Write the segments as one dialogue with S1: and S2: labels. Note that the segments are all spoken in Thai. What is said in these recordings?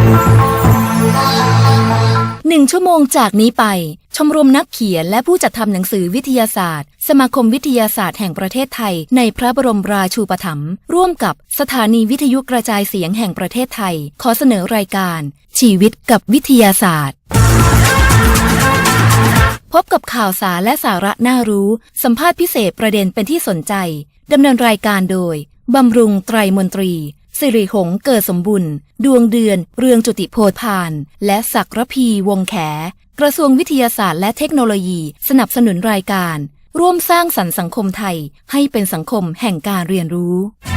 S1: 1 ชั่วโมงจากนี้ไปชมรมนักเขียนและผู้จัดทำหนังสือวิทยาศาสตร์สมาคมวิทยาศาสตร์แห่งประเทศไทยในพระบรมราชูปถัมภ์ร่วมกับสถานีวิทยุกระจายเสียงแห่งประเทศไทยขอเสนอรายการชีวิตกับวิทยาศาสตร์พบกับข่าวสารและสาระน่ารู้สัมภาษณ์พิเศษประเด็นเป็นที่สนใจดำเนินรายการโดยบำรุงไตรมนตรีสิริหงส์เกิดสมบุญดวงเดือนเรืองจุติโพธพานและศักรพีวงแขกระทรวงวิทยาศาสตร์และเทคโนโลยีสนับสนุนรายการร่วมสร้างสรรค์สังคมไทยให้เป็นสังคมแห่งการเรียนรู้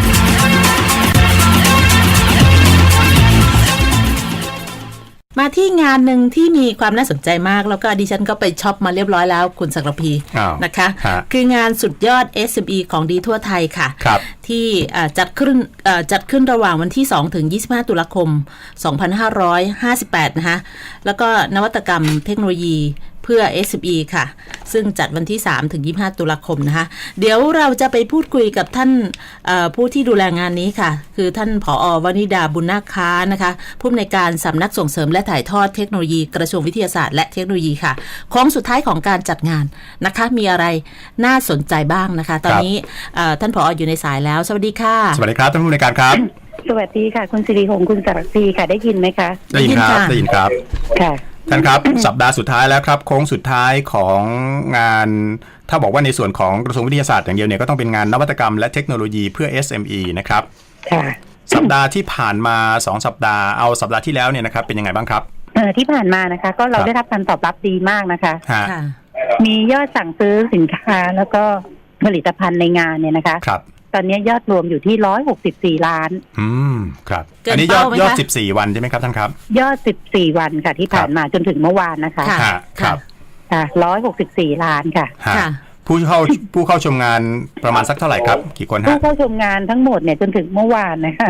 S2: มาที่งานหนึ่งที่มีความน่าสนใจมากแล้วก็ดิฉันก็ไปช็อปมาเรียบร้อยแล้วคุณศักรพีนะคะคืองานสุดยอด SME ของดีทั่วไทยค่ะที่จัดขึ้นระหว่างวันที่2ถึง25ตุลาคม2558นะคะแล้วก็นวัตกรรมเทคโนโลยีเพื่อ SME ค่ะซึ่งจัดวันที่3ถึง25ตุลาคมนะคะเดี๋ยวเราจะไปพูดคุยกับท่านผู้ที่ดูแลงานนี้ค่ะคือท่านผอ.วนิดาบุญนาคค้านะคะผู้อำนวยการสำนักส่งเสริมและถ่ายทอดเทคโนโลยีกระทรวงวิทยาศาสตร์และเทคโนโลยีค่ะโค้งสุดท้ายของการจัดงานนะคะมีอะไรน่าสนใจบ้างนะคะตอนนี้ท่านผอ.อยู่ในสายแล้วสวัสดีค่ะ
S3: สวัสดีครับท่านผู้อำนวยการครับ
S4: สวัสดีค่ะคุณสิริหงส์คุณศักดิ์ศรีค่ะได้ยินไหมคะ
S3: ได้ยินครับได้ยินครับ
S4: ค่ะ
S3: ท่านครับ สัปดาห์สุดท้ายแล้วครับโค้งสุดท้ายของงานถ้าบอกว่าในส่วนของกระทรวงวิทยาศาสตร์อย่างเดียวเนี่ยก็ต้องเป็นงานนวัตกรรมและเทคโนโลยีเพื่อ SME นะครับ
S4: ค่ะ
S3: สัปดาห์ที่ผ่านมา2สัปดาห์เอาสัปดาห์ที่แล้วเนี่ยนะครับเป็นยังไงบ้างครับ
S4: ที่ผ่านมานะคะก็เราได้รับการตอบรับดีมากนะคะมียอดสั่งซื้อสินค้าแล้วก็ผลิตภัณฑ์ในงานเนี่ยนะคะ
S3: ครับ
S4: ตอนนี้ยอดรวมอยู่ที่164ล้าน
S3: ครับอันนี้ยอด14วันใช่ไหมครับท่านครับ
S4: ยอด14วันค่ะที่ผ่านมาจนถึงเมื่อวานนะคะ
S3: ครับ
S4: 164ล้านค่ะ
S3: ผู้เข้าชมงานประมาณสักเท่าไหร่ครับกี่คนฮะ
S4: ผู้เข้าชมงานทั้งหมดเนี่ยจนถึงเมื่อวานนะคะ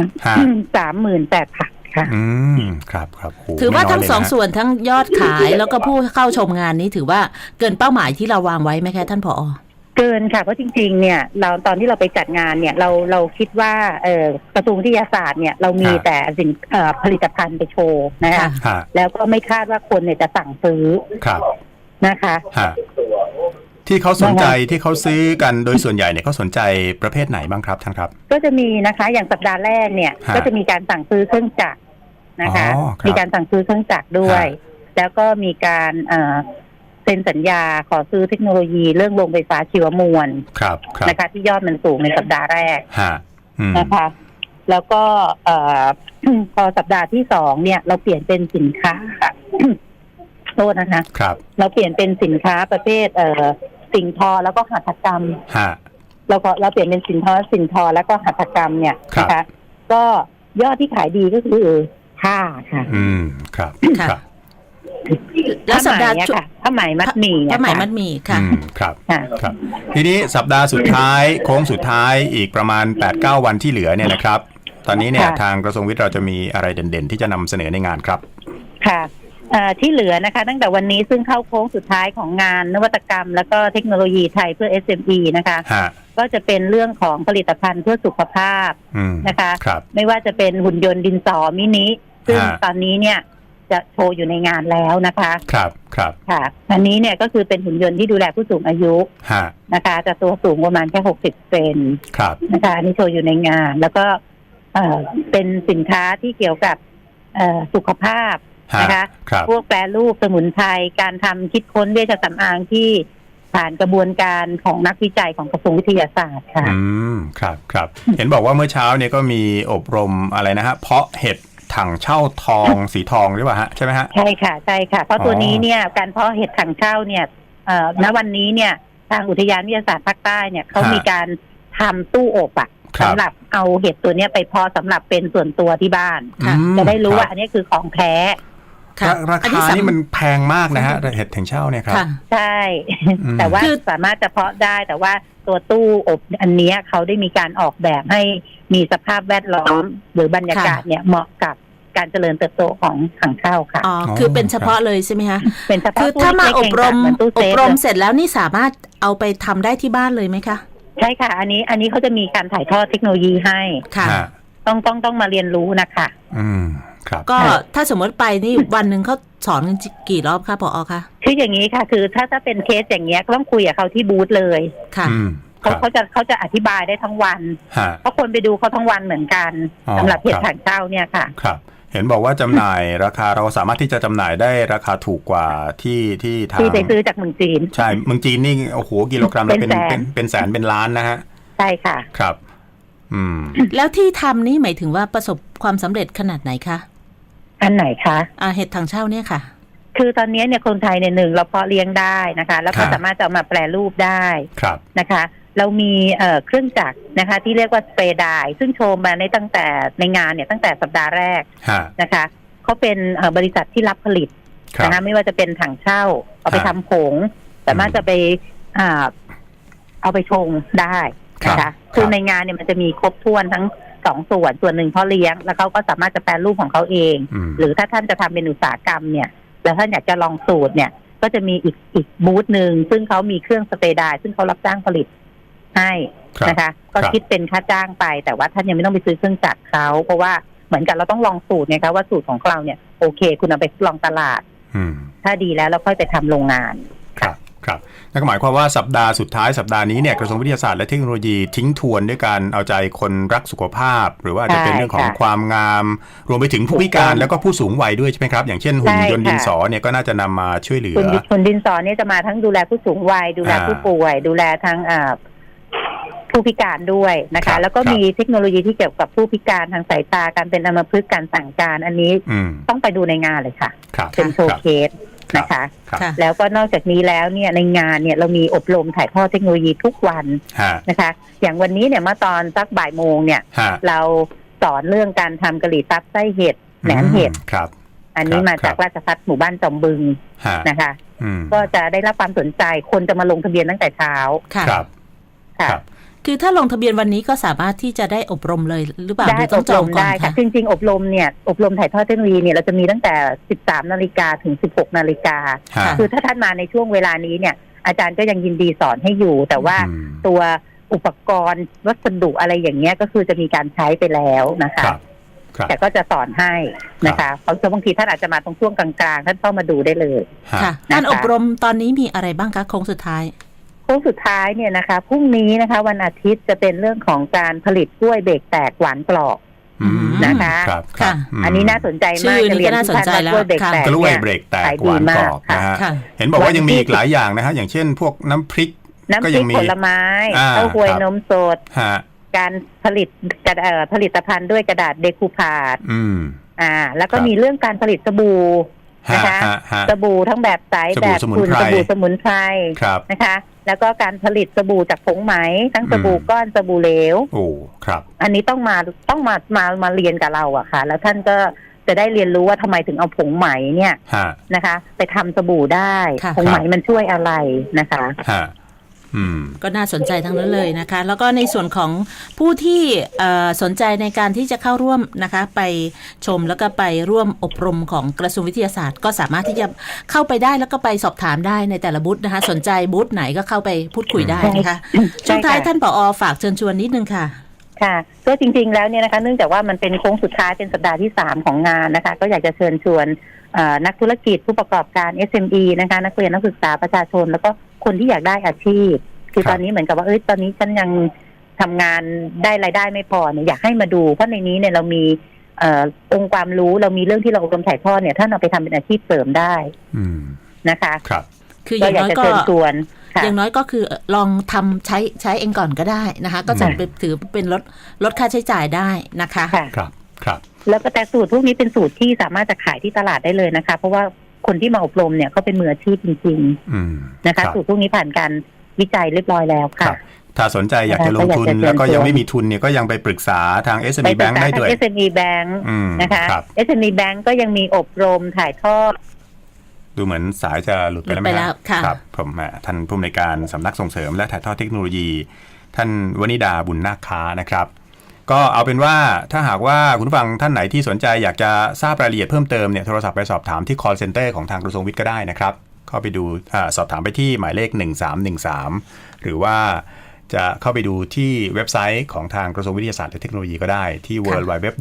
S4: 38,000ค่ะ
S3: ครับ
S2: ถือว่าทั้งสองส่วนทั้งยอดขายแล้วก็ผู้เข้าชมงานนี้ถือว่าเกินเป้าหมายที่เราวางไว้ไหมคะท่านผอ.
S4: เกินค่ะเพราะจริงๆเนี่ยเราตอนที่เราไปจัดงานเนี่ยเราคิดว่ากระทรวงวิทยาศาสตร์เนี่ยเรามีแต่สินผลิตภัณฑ์ไปโชว์นะคะแล้วก็ไม่คาดว่าคนเนี่ยจะสั่งซื้อนะคะ
S3: ที่เขาสนใจที่เขาซื้อกันโดยส่วนใหญ่เนี่ยเขาสนใจประเภทไหนบ้างครับท่านครับ
S4: ก็จะมีนะคะอย่างสัปดาห์แรกเนี่ยก็จะมีการสั่งซื้อเครื่องจักรนะคะมีการสั่งซื้อเครื่องจักรด้วยแล้วก็มีการเซ็นสัญญาขอซื้อเทคโนโลยีเรื่องโรงไฟฟ้าชีวมวลนะคะที่ยอดมันสูงในสัปดาห์แรกนะคะแล้วก็พอสัปดาห์ที่2เนี่ยเราเปลี่ยนเป็นสินค้าโทษนะคะเราเปลี่ยนเป็นสินค้าประเภทสิ่งทอแล้วก็หัตถกรรมเราเปลี่ยนเป็นสินทอแล้วก็หัตถกรรมเนี่ยนะคะก็ยอดที่ขายดีก็คือผ้าค่ะ
S3: ครับ
S2: แล้วสัปดาห์
S4: ผ้าไหมมัดหมี่
S2: ค่ะ
S3: ครับทีนี้สัปดาห์สุดท้ายโค้งสุดท้ายอีกประมาณ 8-9 วันที่เหลือเนี่ยนะครับตอนนี้เนี่ยทางกระทรวงวิทย์เราจะมีอะไรเด่นๆที่จะนำเสนอในงานครับ
S4: ค่ะที่เหลือนะคะตั้งแต่วันนี้ซึ่งเข้าโค้งสุดท้ายของงานนวัตกรรมแล้วก็เทคโนโลยีไทยเพื่อ SME นะคะก็จะเป็นเรื่องของผลิตภัณฑ์เพื่อสุขภาพนะคะไม่ว่าจะเป็นหุ่นยนต์ดินสอมินิซึ่งตอนนี้เนี่ยจะโชว์อยู่ในงานแล้วนะคะ
S3: ครับ
S4: ค่ะอันนี้เนี่ยก็คือเป็นหุ่นยนต์ที่ดูแลผู้สูงอายุนะคะจะตัวสูงประมาณแค่60 เซนนะคะอันนี้โชว์อยู่ในงานแล้วก็เป็นสินค้าที่เกี่ยวกับสุขภาพนะคะพวกแปรรูปสมุนไพรการทำคิดค้นเวชสำอางที่ผ่านกระบวนการของนักวิจัยของกระทรวงวิทยาศาสตร์ค่ะ
S3: ครับเห็นบอกว่าเมื่อเช้าเนี่ยก็มีอบรมอะไรนะฮะเพาะเห็ดถังเช่าทองสีทองหรือเปล่าฮะใช่ไหมฮะ
S4: ใช่ค่ะเพราะตัวนี้เนี่ยการเพาะเห็ดถังเช่าเนี่ยณวันนี้เนี่ยทางอุทยานวิทยาศาสตร์ภาคใต้เนี่ยเขามีการทำตู้อบสำหรับเอาเห็ดตัวนี้ไปเพาะสำหรับเป็นส่วนตัวที่บ้านจะได้รู้ว่าอันนี้คือของแท้
S3: ราคานี่มันแพงมากนะฮะเห็ดถังเช่าเนี่ยครับ
S4: ใช่แต่ว่าสามารถจะเพาะได้แต่ว่าตัวตู้อบอันนี้เขาได้มีการออกแบบให้มีสภาพแวดล้อมหรือบรรยากาศเนี่ยเหมาะกับการเจริญเติบโตของถังเช่าค่ะ
S2: คือเป็นเฉพาะเลยใช่ไหมคะ
S4: เป็นเฉพาะ
S2: คือถ้ามาอบรมเสร็จแล้วนี่สามารถเอาไปทำได้ที่บ้านเลยไหมคะ
S4: ใช่ค่ะอันนี้เขาจะมีการถ่ายทอดเทคโนโลยีให้ค่ะต้องมาเรียนรู้นะคะ
S3: ครับ
S2: ก็ถ้าสมมติไปนี่วันหนึ่งเขาสอนกันกี่รอบคะผอ.คะ
S4: คืออย่างนี้ค่ะคือถ้าเป็นเคสอย่างเงี้ยก็ต้องคุยกับเขาที่บูธเลย
S2: ค่ะ
S4: เขาจะอธิบายได้ทั้งวัน
S3: ฮะ
S4: เพราะคนไปดูเขาทั้งวันเหมือนกัน
S3: อ๋อ
S4: สำหรับเพจ
S3: ครับ
S4: ถังเช่าเนี่ยค่ะ
S3: ครับ เห็นบอกว่าจำหน่ายราคาเราสามารถที่จะจำหน่ายได้ราคาถูกกว่าที่ทาง
S4: ที่ไปซื้อจากเมืองจีน
S3: ใช่เมืองจีนนี่โอ้โหกิโลกรัมละ
S4: เป็นแสน
S3: เป็นแสนเป็นล้านนะฮะ
S4: ใช่ค่ะ
S3: ครับ
S2: แล้วที่ทำนี่หมายถึงว่าประสบความสำเร็จขนาดไหนคะ
S4: อันไหนคะ
S2: เห็ดถังเช่าเนี่ยค่ะ
S4: คือตอนนี้เนี่ยคนไทยเนี่ยหนึ่งเราเพาะเลี้ยงได้นะคะ แล้วก็
S3: ครับ
S4: สามารถจะเอามาแปรรูปได้
S3: ครับ
S4: นะคะ เรามีเครื่องจักรนะคะที่เรียกว่าสเปรย์ไดร์ซึ่งโชว์มาในตั้งแต่ในงานเนี่ยตั้งแต่สัปดาห์แรก
S3: ฮะ
S4: นะคะเขาเป็นบริษัทที่รับผลิต
S3: ครับ
S4: นะคะไม่ว่าจะเป็นถังเช่าเอาไป
S3: ครั
S4: ทำ
S3: บ
S4: ผงสามารถจะไปเอาไปชงได้นะ
S3: ครั
S4: คะ
S3: บ
S4: คือในงานเนี่ยมันจะมีครบถ้วนทั้งสองส่วนหนึ่งพ่อเลี้ยงแล้วเขาก็สามารถจะแปรรูปของเขาเอง หรือถ้าท่านจะทำเป็นอุตสาหกรรมเนี่ยแล้วท่านอยากจะลองสูตรเนี่ยก็จะมีอีกบูธหนึ่งซึ่งเขามีเครื่องสเปรย์ไดร์ซึ่งเขารับจ้างผลิตให้
S3: ครับ
S4: นะคะ ก็
S3: ครับ
S4: คิดเป็นค่าจ้างไป แต่ว่าท่านยังไม่ต้องไปซื้อเครื่องจักรเขาเพราะว่าเหมือนกันเราต้องลองสูตรไงคะว่าสูตรของเราเนี่ยโอเค คุณเอาไปลองตลาด
S3: อืม
S4: ถ้าดีแล้วเราค่อยไปทำโรงงาน
S3: ครับครับนั่นก็หมายความว่าสัปดาห์สุดท้ายสัปดาห์นี้เนี่ยกระทรวงวิทยาศาสตร์และเทคโนโลยีทิ้งทวนด้วยการเอาใจคนรักสุขภาพ หรือว่าอาจจะเป็น
S4: ใช่
S3: เรื่องของ
S4: ค่ะ
S3: ความงาม รวมไปถึงผู้พิการ
S4: ถูกต้อง
S3: แล้วก็ผู้สูงวัยด้วยใช่ไหมครับ อย่างเช่นหุ่น
S4: ใช่
S3: ยนต์ดิน
S4: ค่ะ
S3: สอเนี่ยก็น่าจะนำมาช่วยเหลือ
S4: คุณดินสอเนี่ยจะมาทั้งดูแลผู้สูงวัยดูแลผู้ป่วย ดูแลทั้งผู้พิการด้วยนะ
S3: ครั
S4: คะ
S3: บ
S4: แล้วก็มีเทคโนโลยีที่เกี่ยวกับผู้พิการทางสายตาการเป็นอัมพฤกษ์การสั่งการอันนี้
S3: อืม
S4: ต้องไปดูในงานเลยค่ะ
S3: ครับ
S4: เป็นโชว์
S3: ครับ
S4: เคสนะคะ
S3: ครับ
S2: ค่ะ
S4: แล้วก็นอกจากนี้แล้วเนี่ยในงานเนี่ยเรามีอบรมถ่ายทอดเทคโนโลยีทุกวัน
S3: ฮะ
S4: นะคะ อย่างวันนี้เนี่ยเมื่อตอนสักบ่ายโมงเนี่ย
S3: ฮะ
S4: เราสอนเรื่องการทำกะหรี่ปั๊บไส้เห็ดแหนมเห็ด
S3: ครับ
S4: อันนี้
S3: ครับ
S4: มาจากราชภัฏหมู่บ้านจอมบึง
S3: ฮะ
S4: นะคะ
S3: อืม
S4: ก็จะได้รับความสนใจคนจะมาลงทะเบียนตั้งแต่เช้า
S2: ค่ะ
S3: ครับ
S4: ค่ะ
S3: ครับ
S2: คือถ้าลงทะเบียนวันนี้ก็สามารถที่จะได้อบรมเลยหรือเปล่าห
S4: ได้
S2: รือ
S4: อ
S2: ต้อง
S4: บ
S2: จ
S4: ร
S2: อง
S4: ม
S2: ก่อน
S4: ได้ค่ะ
S2: คะ
S4: จริงๆอบรมเนี่ยอบรมถ่ายทอดเทคโนโลยีเนี่ยเราจะมีตั้งแต่ 13 นาฬิกาถึง 16 นาฬิกา
S3: ฮะ
S4: คือถ้าท่านมาในช่วงเวลานี้เนี่ยอาจารย์ก็ยังยินดีสอนให้อยู่ แต่ว่า
S3: อืม
S4: ตัวอุปกรณ์วัสดุอะไรอย่างเงี้ยก็คือจะมีการใช้ไปแล้วนะคะ
S3: ครับครับ
S4: แต่ก็จะสอนให้นะคะเพราะบางทีท่านอาจจะมาตรงช่วงกลางๆท่านเข้ามาดูได้เลย
S3: ฮะ
S2: ค่ะการอบรมตอนนี้มีอะไรบ้างคะโค้งสุดท้าย
S4: โค้งสุดท้ายเนี่ยนะคะพรุ่งนี้นะคะวันอาทิตย์จะเป็นเรื่องของการผลิตกล้วยเบรกแตกหวานกรอบ
S3: อืม
S4: นะคะ
S3: ครับ
S2: ค่ะ
S3: ม
S4: อันนี้น่าสนใจมาก
S2: ชื่อนี้
S4: จะเรียน
S2: ก็น่าสนใจ
S4: ทุกท่านว่ากล้วยเบรกแตก
S3: กล้วย
S4: เนี่ย
S3: เบรกแตก
S4: ขาย
S3: ห
S4: ดี
S3: วานกรอบ
S4: มาก
S3: นะฮะ
S2: ค่ะ
S3: เห็นบอกว่า
S4: วัน
S3: ยังมี
S4: ที่
S3: อีกหลายอย่างนะฮะอย่างเช่นพวกน้ำพริก
S4: น้ำ
S3: ก็
S4: พ
S3: ยั
S4: ริ
S3: ง
S4: ก
S3: มี
S4: ผลไม้
S3: อ่า
S4: เต้าหวย
S3: ครับ
S4: นมสด
S3: ฮะ
S4: การผลิตภัณฑ์ด้วยกระดาษเดคูพาด
S3: อืม
S4: แล้วก็
S3: ครับ
S4: มีเรื่องการผลิตสบู่
S3: ฮะ
S4: นะคะ
S3: ฮะฮะ
S4: สบู่ทั้งแบบใส
S3: สบู่
S4: แบบ
S3: สมุน
S4: คุณ
S3: ไพร
S4: สบู่สมุนไพร
S3: ครับ
S4: นะคะ แล้วก็การผลิตสบู่จากผงไหมทั้งสบู่
S3: อืม
S4: ก้อนสบู่เหลว
S3: โอ้ครับ
S4: อันนี้ต้องมาเรียนกับเราอะค่ะ แล้วท่านก็จะได้เรียนรู้ว่าทำไมถึงเอาผงไหมเนี่ย
S3: ฮะ
S4: นะคะ ไปทำสบู่ได้
S2: ค่ะ
S4: ผงไหมมันช่วยอะไรนะคะ
S3: ฮะอืม
S2: ก็น่าสนใจทั้งนั้นเลยนะคะ แล้วก็ในส่วนของผู้ที่สนใจในการที่จะเข้าร่วมนะคะ ไปชมแล้วก็ไปร่วมอบรมของกระทรวงวิทยาศาสตร์ ก็สามารถที่จะเข้าไปได้แล้วก็ไปสอบถามได้ในแต่ละบูธนะคะ สนใจบูธไหนก็เข้าไปพูดคุยได้นะคะ
S4: ใช่
S2: ช่วงท้าย
S4: ค่ะ
S2: ท่านผอ.ฝากเชิญชวนนิดนึงค่ะ
S4: ค่ะก็จริงๆแล้วเนี่ยนะคะเนื่องจากว่ามันเป็นโค้งสุดท้ายเป็นสัปดาห์ที่3ของงานนะคะก็อยากจะเชิญชวนนักธุรกิจผู้ประกอบการ SME นะคะนักเรียนนักศึกษาประชาชน แล้วก็คนที่อยากได้อาชีพคือ
S3: ครับ
S4: ตอนนี้เหมือนกับว่าตอนนี้ฉันยังทำงานได้รายได้ไม่พอเนี่ยอยากให้มาดูเพราะในนี้เนี่ยเรามีองค์ความรู้เรามีเรื่องที่เราอบรมถ่ายทอดเนี่ยท่านเอาไปทำเป็นอาชีพเสริมได้
S3: อืม
S4: นะคะ
S3: ครับ
S2: คืออ
S4: ก็
S2: ย่าง
S4: อยาก
S2: น้อยก็
S4: จะเชิญชวนค่ะ
S2: อย่างน้อยก็คือลองทำใช้เองก่อนก็ได้นะคะ ก็จะไปถือเป็นลดค่าใช้จ่ายได้นะคะ
S4: ค่ะ
S3: ครับครับ
S4: แล้วก็แต่สูตรพวกนี้เป็นสูตรที่สามารถจะขายที่ตลาดได้เลยนะคะ เพราะว่าคนที่มาอบรมเนี่ยเขาเป็นมืออาชีพจริง
S3: อืม
S4: ๆนะคะ
S3: รับ
S4: สูตรพวกนี้ผ่านการวิจัยเรียบร้อยแล้ว
S3: ครั
S4: ค่ะ
S3: บ ถ้าสนใจอยากจะลงทุน
S4: ก็อยากจะเชิญ
S3: แล้วก็ยัง
S4: ชวน
S3: ไม่มีทุนเนี่ยก็ยังไปปรึกษาทาง
S4: ไป
S3: SME
S4: ศึก
S3: Bank
S4: ษา
S3: ได้
S4: ทาง
S3: ด้วย
S4: SME Bank
S3: อืม
S4: นะคะ
S3: ครับ
S4: SME Bank ก็ยังมีอบรมถ่ายทอด
S3: ดูเหมือนสายจะหลุดไปแล้วไหม
S2: หลุดไปแล้วค่ะ
S3: ครับผมท่านผู้อำนวยการสำนักส่งเสริมและถ่ายทอดเทคโนโลยี ท่านวนิดาบุญนาคค้านะครับ ก็เอาเป็นว่าถ้าหากว่าคุณผู้ฟังท่านไหนที่สนใจอยากจะทราบรายละเอียดเพิ่มเติมเนี่ยโทรศัพท์ไปสอบถามที่ call center ของทางกระทรวงวิทย์ก็ได้นะครับเข้าไปดูสอบถามไปที่หมายเลข1313หรือว่าจะเข้าไปดูที่เว็บไซต์ของทางกระทรวงวิทยาศาสตร์และเทคโนโลยีก็ได้ที่ www.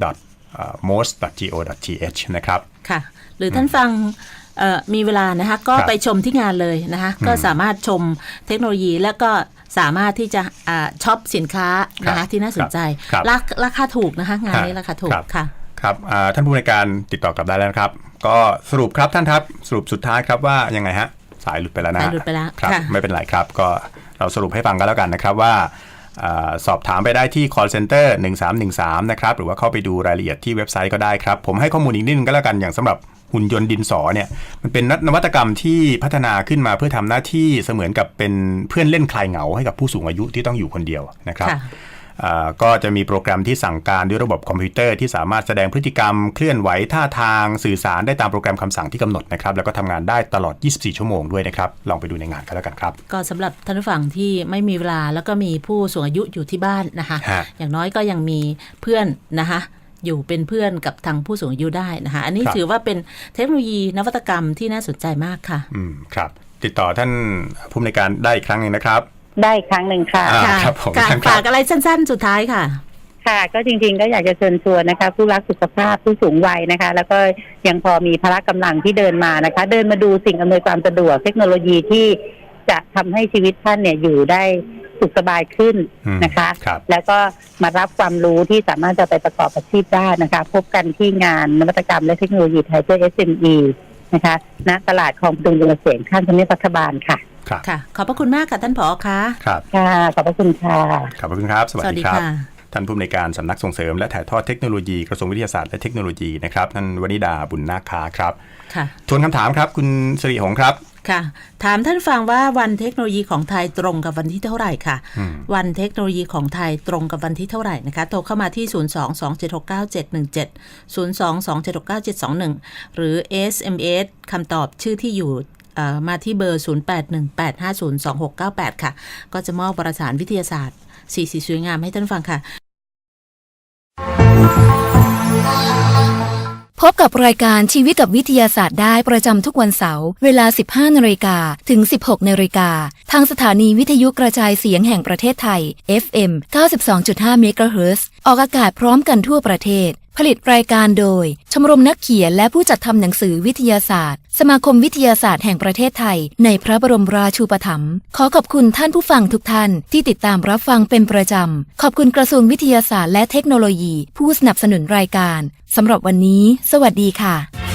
S3: most.go.th นะครับ
S2: ค่ะหรือท่านฟังมีเวลานะคะก็ไปชมที่งานเลยนะคะก็สามารถชมเทคโนโลยีแล้วก็สามารถที่จะช็อปสินค้านะคะที่น่าสนใจราคาถูกนะคะงานนี้ราคาถูกค่ะ
S3: ครับท่านผู้ในการติดต่อกลับได้แล้วนะครับก็สรุปครับท่านครับสรุปสุดท้ายครับว่ายังไงฮะสายหลุดไปแล้วนะ
S2: สายหลุดไปแล้ว
S3: ครับไม่เป็นไรครับก็เราสรุปให้ฟังกันแล้วกันนะครับว่าสอบถามไปได้ที่ call center 1313นะครับหรือว่าเข้าไปดูรายละเอียดที่เว็บไซต์ก็ได้ครับผมให้ข้อมูลอีกนิดนึงก็แล้วกันอย่างสำหรับหุ่นยนต์ดินสอเนี่ยมันเป็นนวัตกรรมที่พัฒนาขึ้นมาเพื่อทำหน้าที่เสมือนกับเป็นเพื่อนเล่นคลายเหงาให้กับผู้สูงอายุที่ต้องอยู่คนเดียวนะครับก็จะมีโปรแกรมที่สั่งการด้วยระบบคอมพิวเตอร์ที่สามารถแสดงพฤติกรรมเคลื่อนไหวท่าทางสื่อสารได้ตามโปรแกรมคำสั่งที่กำหนดนะครับแล้วก็ทำงานได้ตลอด24ชั่วโมงด้วยนะครับลองไปดูในงานกันแล้วกันครับ
S2: ก็สำหรับท่านผู้ฟังที่ไม่มีเวลาแล้วก็มีผู้สูงอายุอยู่ที่บ้านนะคะอย่างน้อยก็ยังมีเพื่อนนะคะอยู่เป็นเพื่อนกับทางผู้สูงอายุได้นะคะอันนี้ถือว่าเป็นเทคโนโลยีนวัตกรรมที่น่าสนใจมากค่ะ
S3: ครับติดต่อท่านผู้อำนวยการได้อีกครั้งนึงนะครับ
S4: ได้ครั้งหนึ่งค่ะ
S3: ครับผม
S2: ฝากอะไรสั้นๆสุดท้ายค่ะ
S4: ค่ะก็จริงๆก็อยากจะเชิญชวนนะคะผู้รักสุขภาพผู้สูงวัยนะคะแล้วก็ยังพอมีพละกำลังที่เดินมานะคะเดินมาดูสิ่งอำนวยความสะดวกเทคโนโลยีที่จะทำให้ชีวิตท่านเนี่ยอยู่ได้สุขสบายขึ้นนะคะแล้วก็มารับความรู้ที่สามารถจะไปประกอบอาชีพได้นะคะพบกันที่งานนวัตกรรมและเทคโนโลยีไทยเพื่อ SME นะคะณตลาดคลองพดุงยนต์เกษตรข้างทำเนียบรัฐบาลค่ะ
S2: ค่ะขอบพระคุณมากค่ะท่านผอ.ค่ะ
S3: ครับ
S4: ค่ะขอบพระคุณค่ะ
S3: ขอบพระคุณครับสวัสดีครับท่านผู้อำนวยการสำนักส่งเสริมและถ่ายทอดเทคโนโลยีกระทรวงวิทยาศาสตร์และเทคโนโลยีนะครับท่านวนิดาบุญนาคค้าครับ
S2: ค่ะ
S3: ทวนคำถามครับคุณสิริหงส์ครับ
S2: ค่ะถามท่านฟังว่าวันเทคโนโลยีของไทยตรงกับวันที่เท่าไหร่ค่ะวันเทคโนโลยีของไทยตรงกับวันที่เท่าไหร่นะคะโทรเข้ามาที่022769717 022769721หรือ SMS คำตอบชื่อที่อยู่มาที่เบอร์0818502698ค่ะก็จะมอบวารสารวิทยาศาสตร์สีสวยงามให้ท่านฟังค่ะ
S1: พบกับรายการชีวิตกับวิทยาศาสตร์ได้ประจำทุกวันเสาร์เวลา 15:00 นถึง 16:00 นทางสถานีวิทยุกระจายเสียงแห่งประเทศไทย FM 92.5 เมกะเฮิรตซ์ออกอากาศพร้อมกันทั่วประเทศผลิตรายการโดยชมรมนักเขียนและผู้จัดทำหนังสือวิทยาศาสตร์สมาคมวิทยาศาสตร์แห่งประเทศไทยในพระบรมราชูปถัมภ์ขอขอบคุณท่านผู้ฟังทุกท่านที่ติดตามรับฟังเป็นประจำขอบคุณกระทรวงวิทยาศาสตร์และเทคโนโลยีผู้สนับสนุนรายการสำหรับวันนี้สวัสดีค่ะ